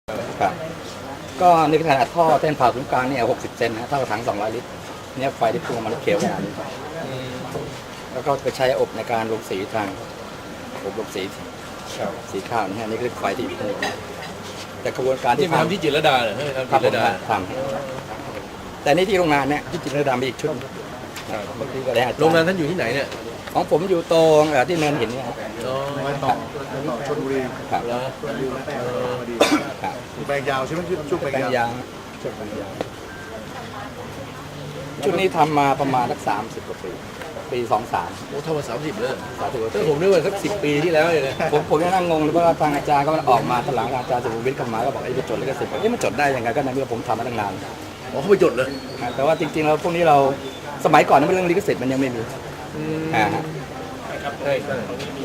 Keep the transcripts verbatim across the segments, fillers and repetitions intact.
ครับก็ในขนาดท่อเส้นผ่าศูนย์กลางเนี่ยหกสิบเซนนะเท่ากับถังสองร้อยลิตรเนี่ยไฟที่พุ่งออกมาเขียวขนาดนี้แล้วก็ไปใช้อบในการลงสีทางอบลงสีสีข้าวนี่ฮะนี่คือไฟที่พุ่งแต่กระบวนการที่ทำที่จิตรลดาเหรอทำจิตรลดาทำแต่นี่ที่โรงงานเนี่ยที่จิตรลดามีอีกชุดบางทีก็ได้โรงงานท่านอยู่ที่ไหนเนี่ยของผมอยู่ตรงที่เนินหินเนี่ยชลบุรีครับแปลงยาวใช่ไหมช่วงแปลงยาวช่วงแปลงยาวชุดนี้ทำมาประมาณสักสามสิบกว่าปีปีสองสามโอ้ทำมาสามสิบเลยสามสิบถ้าผมนึกว่าสักสิบปีที่แล้วเลยนะผมผมยังนั่งงงเลยเพราะว่าทางอาจารย์ก็ออกมาตหลังอาจารย์สุภวิทย์เข้ามาก็บอกไอ้ไปจดลิขสิทธิ์เอ๊ะมันจดได้ยังไงก็ในเมื่อผมทำมาตั้งนานอ๋อเขาไปจดเลยแต่ว่าจริงๆแล้วพวกนี้เราสมัยก่อนนั้นเรื่องลิขสิทธิ์มันยังไม่มีอ่าใช่ใช่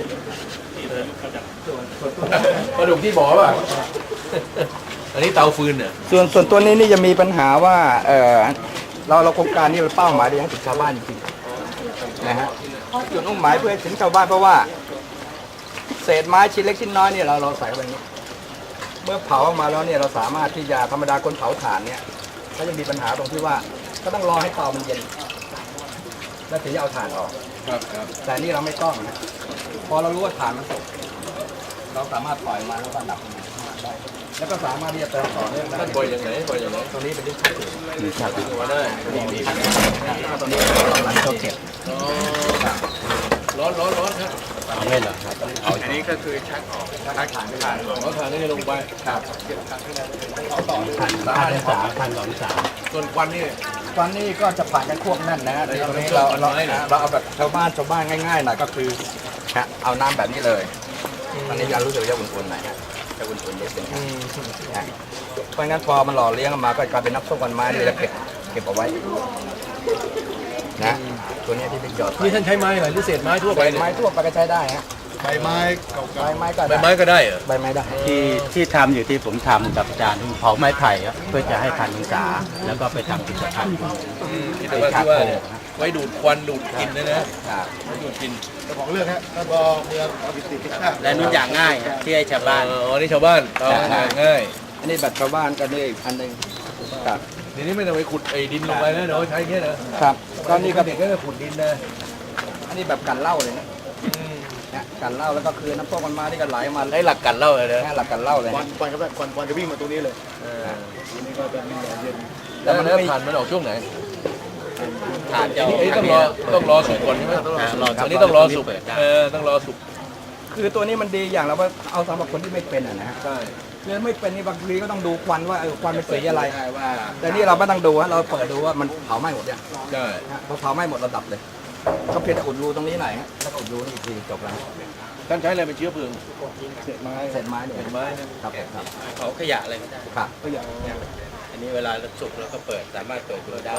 ปลาดุกที่บอกว่าอันนี้เตาฟืนเนี่ยส่วนส่วนตัวนี้นี่จะมีปัญหาว่าเออเราเราโครงการนี้เราเป้าหมายให้ถึงชาวบ้านจริงๆนะฮะจุดมุ่งหมายเพื่อให้ถึงชาวบ้านเพราะว่าเศษไม้ชิ้นเล็กชิ้นน้อยเนี่ยเราเราใส่เข้าไปนี้เมื่อเผาออกมาแล้วเนี่ยเราสามารถที่จะธรรมดาคนเผาถ่านเนี่ยก็จะมีปัญหาตรงที่ว่าก็ต้องรอให้เตามันเย็นแล้วถึงจะเอาถ่านออกแต่นี่เราไม่ต้องนะพอเรารู้ว่าถ่านมันสุกเราสามารถปล่อยมาแล้วก็ดับมันได้แล้วก็สามารถที่จะเติมต่อเนื่องได้ปล่อยอย่างไรปล่อยอย่างไรตรงนี้เป็นที่ชัดเจนมีชัดเจนได้มีมีตรงนี้เราเราเก็บร้อนร้อนร้อนครับไม่เหรอครับอันนี้ก็คือชักออกชักฐานไม่ได้เอาฐานนี่ลงไปครับเอาต่อด้วยฐานฐานสามฐานสองสามส่วนควันนี่ควันนี่ก็จะผ่านกันควบแน่นนะตรงนี้เราเราเราเอาแบบชาวบ้านชาวบ้านง่ายๆหน่อยก็คือเอาน้ำแบบนี้เลยตอนนี้ยารู้สึกจะอุ่นๆหน่อยจะอุ่นๆนิดนึงเพราะงั้นพอมันหล่อเลี้ยงออกมาก็กลายเป็นน้ำส้มควันไม้เลยจะเก็บเก็บเอาไว้นะตัวนี้ที่เป็นหยอดนี่ท่านใช้ไม้อะไรหรือเศษไม้ทั่วไปไม้ทั่วไปก็ใช้ได้ฮะใบไม้เก่าใบไม้ก็ใบไม้ก็ได้เหรอใบไม้ได้ที่ที่ทำอยู่ที่ผมทำกับอาจารย์เผาไม้ไผ่ครับเพื่อจะให้ทันองศาแล้วก็ไปทำกิจกรรมกิจกรรมที่ว่าไว้ดูดควันดูดกลิ่นนะนะดูดกลิ่นเจ้าของเรื่องฮะแล้วก็เมืองอภิสิทธิ์และนุ่นอย่างง่ายที่ให้ชาวบ้านอ๋อนี่ชาวบ้านเอาง่ายอันนี้แบบชาวบ้านกันนี่อีกอันหนึ่งครับทีนี้ไม่ต้องไปขุดไอ้ดินลงไปนะเดี๋ยวใช้แค่นะครับตอนนี้ก็เด็กก็จะขุดดินนะอันนี้แบบกันเหล้าเลยนะกันเหล้าแล้วก็คือน้ำส้มมันมาที่กันไหลมาได้หลักกันเหล้าเลยนะหลักกันเหล้าเลยควันควันก็ได้ควันควันจะวิ่งมาตรงนี้เลยทีนี้ก็จะมีเย็นแล้วมันผ่านมันออกช่วงไหนผ่านจะต้องรอต้องรอสุกก่อนใช่ไหมอันนี้ต้องรอสุกเออต้องรอสุกคือตัวนี้มันดีอย่างเราว่าเอาสำหรับคนที่ไม่เป็นอ่ะนะใช่เรื่องไม่เป็นนี่บางทีก็ต้องดูควันว่าเออควันเป็นสีอะไรแต่นี่เราไม่ต้องดูฮะเราเปิดดูว่ามันเผาไหม้หมดยังใช่พอเผาไหม้หมดเราดับเลยก็เพียงแต่อุดรูตรงนี้หน่อยแล้วก็อุดรูนี่อีกทีจบแล้วท่านใช้อะไรเป็นเชื้อเพลิงเศษไม้เศษไม้เนี่ยเศษไม้ครับเผาขยะอะไรก็ได้ครับขยะอันนี้เวลาเราสุกเราก็เปิดสามารถเปิดดูได้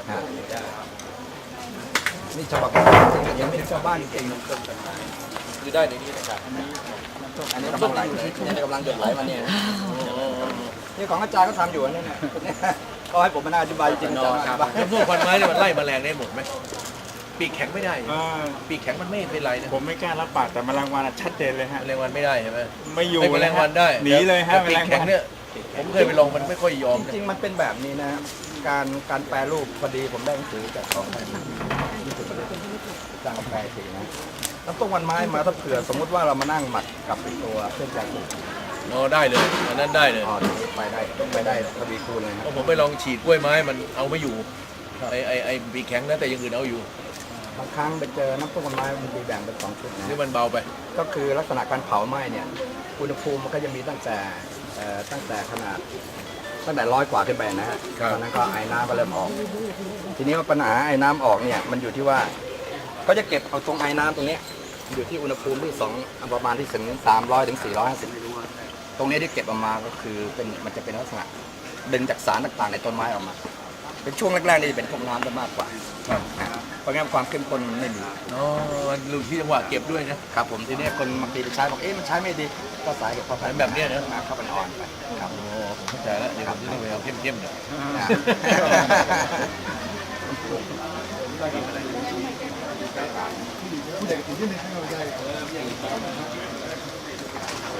นี่ฉบับยังไม่ถึงชาวบ้านจริงๆคือได้ในนี้นะครับอันนี้กำลังไหลนี่กำลังหยดไหลมาเนี่ยนี่ของอาจารย์ก็ทำอยู่นี่นะก็ให้ผมมาอธิบายจริงๆครับน้ำส้มควันไม้เนี่ยมันไล่แมลงได้หมดไหมปีกแข็งไม่ได้ปีกแข็งมันไม่เป็นไรนะผมไม่กล้ารับปากแต่แมลงวันชัดเจนเลยฮะแมลงวันไม่ได้ใช่ไหมไม่อยู่แมลงวันได้หนีเลยฮะปีกแข็งเนี่ยผมเคยไปลองมันไม่ค่อยยอมจริงๆมันเป็นแบบนี้นะการการแปรรูปพอดีผมได้หนังสือจากของจางกาแฟสีนะน้ำต้มวันไม้มาถ้าเผื่อสมมุติว่าเรามานั่งหมักกับตัวเส้นแกงโอ้ได้เลยอันนั้นได้เลยอ๋อไปได้ต้องไปได้ทวีคูณเลยครับผมไปลองฉีดกล้วยไม้มันเอาไม่อยู่ไอไอไอปีกแข็งนะแต่ยังอื่นเอาอยู่บางครั้งไปเจอน้ำต้มวันไม้มันมีแบ่งเป็นสองชุดนะนี่มันเบาไปก็คือลักษณะการเผาไหม้เนี่ยอุณหภูมิมันก็จะมีตั้งแต่ตั้งแต่ขนาดตั้งแต่ร้อยกว่าขึ้นไปนะฮะตอนนั้นก็ไอ้น้ำก็เริ่มออกทีนี้ว่าปัญหาไอ้น้ำออกเนี่ยมันอยู่ที่ว่าก็จะเก็บเอาตรงไอ้น้ำตรงนี้อยู่ที่อุณหภูมิที่สองประมาณที่ถึงสามร้อยถึงสี่ร้อยห้าสิบตรงนี้ที่เก็บออกมาก็คือเป็นมันจะเป็นลักษณะดึงจากสารต่างๆในต้นไม้ออกมาเป็นช่วงแรกๆนี่จะเป็นพวกน้ำจะมากกว่าเพราะงั้นความเข้มข้นไม่มีอ๋อรู้ที่จังหวะเก็บด้วยนะครับผมทีนี้คนบางทีไปใช้บอกเอ๊ะมันใช้ไม่ดีก็สายเก็บเข้าไปแบบนี้นะเข้าไปอ่อนไปครับโอ้ผมเข้าใจแล้วเดี๋ยวผมจะต้องไปเอาเข้มๆหน่อย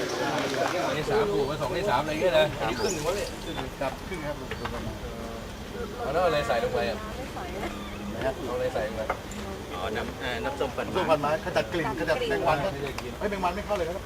อันนี้สามถูกมาสองที่สามอะไรเงี้ยนะอันนี้ครึ่งหนึ่งวะเนี่ยครับครึ่งครับเอาแล้วอะไรใส่ลงไปอ่ะเอาอะไรใส่ลงไปอ๋อ น้ำเอ่อน้ำส้มปั่นตู้พันไม้ขจัดกลิ่นขจัดแมงวันก็เฮ้ยแมงวันไม่เข้าเลยครับ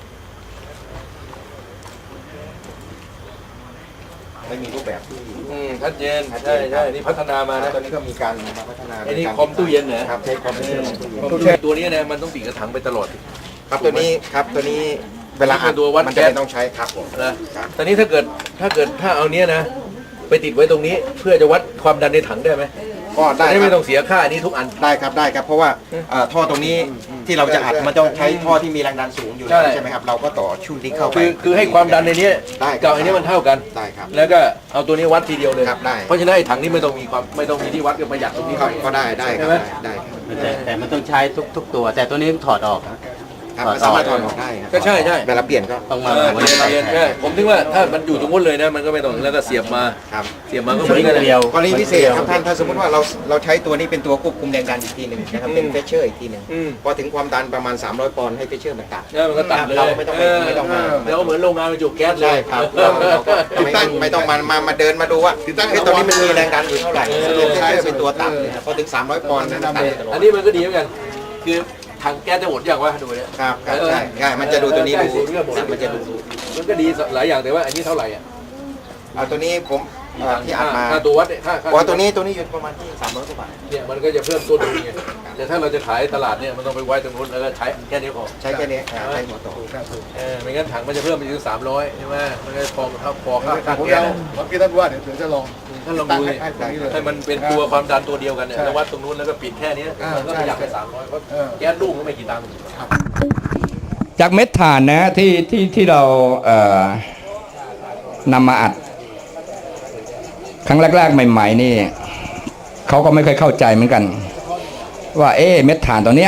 ไม่มีรูปแบบที่อืมชัดเจนใช่ใช่นี่พัฒนามานะตอนนี้ก็มีการมาพัฒนาไอ้นี่คอมตู้เย็นเหรอครับใช้คอมเป็นตู้เย็นตู้เย็นตัวนี้นะมันต้องติดกระถังไปตลอดครับตัวนี้ครับตัวนี้เวลาอัดตัววัดมันแก๊จะสไม่ต้องใช้ครับผมนะตอนนี้ถ้าเกิดถ้าเกิดถ้าเอาเนี้ยนะ ไปติดไว้ตรงนี้เพื่อจะวัดความดันในถังได้ไหมก็ได้ได้คไม่รัต้อบ งเสียค่าอันนี้ทุกอันได้ครับได้ครับเพราะว่าเอ่อท่อตรงนี้ที่เราจะอัดมันต้องใช้ท่อที่มีแรงดันสูงอยู่แล้วใช่ใช่ไหมครับเราก็ต่อชุดนี้เข้าไปคือคือให้ความดันในนี้ได้ครับกับอันนี้มันเท่ากันได้ครับแล้วก็เอาตัวนี้วัดทีเดียวเลยครับได้เพราะฉะนั้นไอ้ถังนี้ไม่ต้องมีความไม่ต้องมีที่วัดก็ประหยัดตรงนี้ก็ไปก็ได้ได้คใช่รับไหมได้ได้ครับแต่แต่มันต้องใช้ทุกทุกตัว แต่ตัวนี้ถอดออกครับมันสามารถถอดออกได้ครับก็ใช่ใช่เวลาเปลี่ยนก็ต้องเอมาอไว้เรียนใส่เรียนแทใช่นผมถึงว่าถ้ามันอยู่ตรงนู้นเลยนะมันก็ไม่ต้องแล้วก็เสียบมาครับเสียบมาก็เหมือนกันเดียวกรณีพิเศษครับท่านถ้าสมมติว่าเราเราใช้ตัวนี้เป็นตัวควบคุมแรงดันอีกทีหนึ่งนะครับเป็นเฟเชอร์อีกทีหนึ่งอืมพอถึงความดันประมาณสามร้อยปอนด์ให้เฟเชอร์มันตัดเนี่ยมันก็ตัดเลยเราไม่ต้องไปไม่ต้องมาแล้วก็เหมือนโรงงานบรรจุแก๊สเลใช่ยครับเราเราก็ไม่ต้องไม่ต้องมามามาเดินมาดูว่าเฮ้ยตอนนี้มันมีแรงดันอยู่เท่าไหร่เป็นเฟเชอร์เป็นตัวตัดเลยครับพอถึงสามร้อยปอนด์นั้นตัดตลออัดนนี้มันก็ดีเหมือนกัน คือถังแก๊สจะหมดอย่างวะดูเนี่ยครับครับใช่ใช่มันจะดูตัวนี้ดูใกล้ๆศูนย์ก็หมดมันจะดูมันก็ดีหลายอย่างแต่ว่าอันนี้เท่าไหร่อ่ะเอาตัวนี้ผมเอ่อที่อัดมาค่าตัววัดเนี่ยค่าค่าว่าตัวนี้ตัวนี้อยู่ประมาณที่สามร้อยกว่าบาทเนี่ยมันก็จะเพิ่มต้นทุนไงแต่ถ้าเราจะขายตลาดเนี่ยมันต้องไปไว้ตรงนู้นแล้วก็ใช้แค่นี้พอใช้แค่นี้อ่าใช้หัวโตเออไม่งั้นถังมันจะเพิ่มไปถึงสามร้อยใช่ไหมมันก็พอเท่าพอค่าแต่ค่าผมแก๊สเอาเมื่อกี้ท่านว่าเดี๋ยวเดี๋ยวจะลองท่านลองดูดิให้ตรงนี้เลยให้มันเป็นตัวความดันตัวเดียวกันเนี่ยใช่แล้ววัดตรงนู้นแล้วก็ปิดแค่นี้อ่ามันก็ประหยัดไปใช่สามร้อยเพราะเออแก๊สลูกก็ไม่กี่ตังค์จากเม็ดถ่านนะที่ที่ที่เราเอ่อนำมาอัด ครั้งแรกๆใหม่ๆนี่เขาก็ไม่เคยเข้าใจเหมือนกัน ว่าเอ๊ะเม็ดถ่านตัวเนี้ย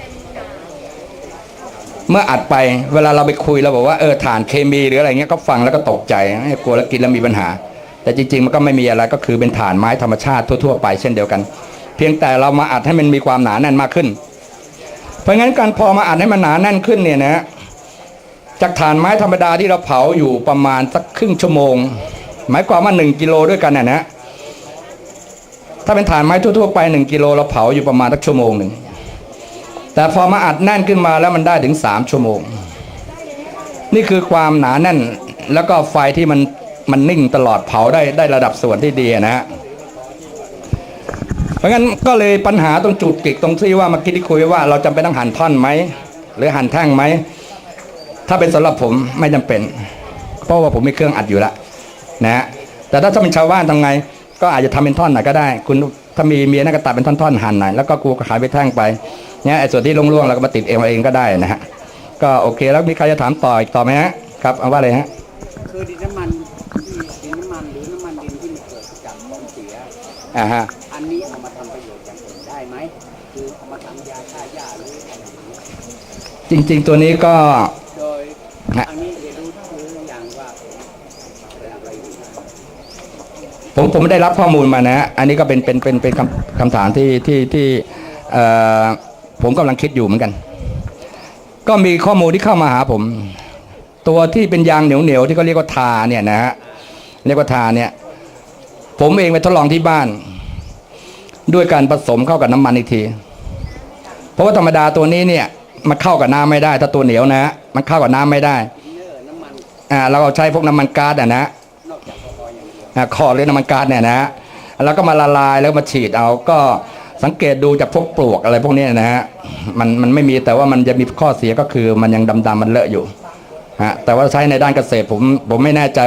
เมื่ออัดไปเวลาเราไปคุยเราบอกว่าเออถ่านเคมีหรืออะไรเงี้ยก็ฟังแล้วก็ตกใจกลัวแล้วกินแล้วมีปัญหา แต่จริงๆมันก็ไม่มีอะไรก็คือเป็นถ่านไม้ธรรมชาติทั่วๆไปเช่นเดียวกัน เพียงแต่เรามาอัดให้มันมีความหนาแน่นมากขึ้น เพราะงั้นการพอมาอัดให้มันหนาแน่นขึ้นเนี่ยนะจากถ่านไม้ธรรมดาที่เราเผาอยู่ประมาณสักครึ่งชั่วโมงหมายความว่าหนึ่งกิโลด้วยกันนะนะถ้าเป็นถ่านไม้ทั่วๆไปหนึ่งกิโลเราเผาอยู่ประมาณสักชั่วโมงหนึ่งแต่พอมาอัดแน่นขึ้นมาแล้วมันได้ถึงสามชั่วโมงนี่คือความหนาแน่นแล้วก็ไฟที่มันมันนิ่งตลอดเผาได้ได้ระดับส่วนที่ดีนะฮะเพราะงั้นก็เลยปัญหาตรงจุดกิกตรงที่ว่าเมื่อกี้ที่คุยว่าเราจำเป็นต้องหั่นท่อนไหมหรือหั่นแท่งไหมถ้าเป็นสำหรับผมไม่จำเป็นเพราะว่าผมมีเครื่องอัดอยู่แล้วนะฮะแต่ถ้าถ้าเป็นชาวบ้านทำไงก็อาจจะทำเป็นท่อนหน่อยก็ได้คุณถ้ามีเมียน่าก็ตัดเป็นท่อนๆหั่นหน่อยแล้วก็กูก็ขายไปแท่งไปเนี่ยไอ้ส่วนที่ร่วงๆเราก็มาติดเองเองก็ได้นะฮะก็โอเคแล้วมีใครจะถามต่ออีกต่อไหมฮะครับเอาว่าเลยฮะคือดินน้ำมันที่ดินน้ำมันหรือน้ำมันดินที่มันเกิดจากของเสียอ่าฮะอันนี้เอามาทำประโยชน์อย่างอื่นได้ไหมคือเอามาทำยาฆ่าหญ้าหรืออะไรอย่างเงี้ยจริงๆตัวนี้ก็โดยฮะอันนี้เรียนรู้คืออย่างว่าเป็นอะไรอยู่นะผมผมไม่ได้รับข้อมูลมานะ อันนี้ก็เป็นเป็นเป็นเป็นคำคำถามที่ที่ที่เอ่อผมกำลังคิดอยู่เหมือนกัน ก็มีข้อมูลที่เข้ามาหาผม ตัวที่เป็นยางเหนียวเหนียวๆที่เขาเรียกว่าทาเนี่ยนะฮะเรียกว่าทาเนี่ย ผมเองไปทดลองที่บ้าน ด้วยการผสมเข้ากับน้ำมันอีกที เพราะว่าธรรมดาตัวนี้เนี่ยมันเข้ากับน้ำไม่ได้ถ้าตัวเหนียวนะฮะมันเข้ากับน้ำไม่ได้เนื้อน้ำมันอ่าเราเอาใช้พวกน้ำมันก๊าซอ่ะนะนอกจากแอลกอฮอล์อย่างเดียวอ่าคอหรือน้ำมันก๊าซเนี่ยนะแล้วก็มาละลายแล้วมาฉีดเอาก็สังเกตดูจากพวกปลวกอะไรพวกนี้นะฮะมันมันไม่มีแต่ว่ามันจะมีข้อเสียก็คือมันยังดำๆมันเลอะอยู่ฮะแต่ว่าใช้ในด้านเกษตรผมผมไม่แน่ใจ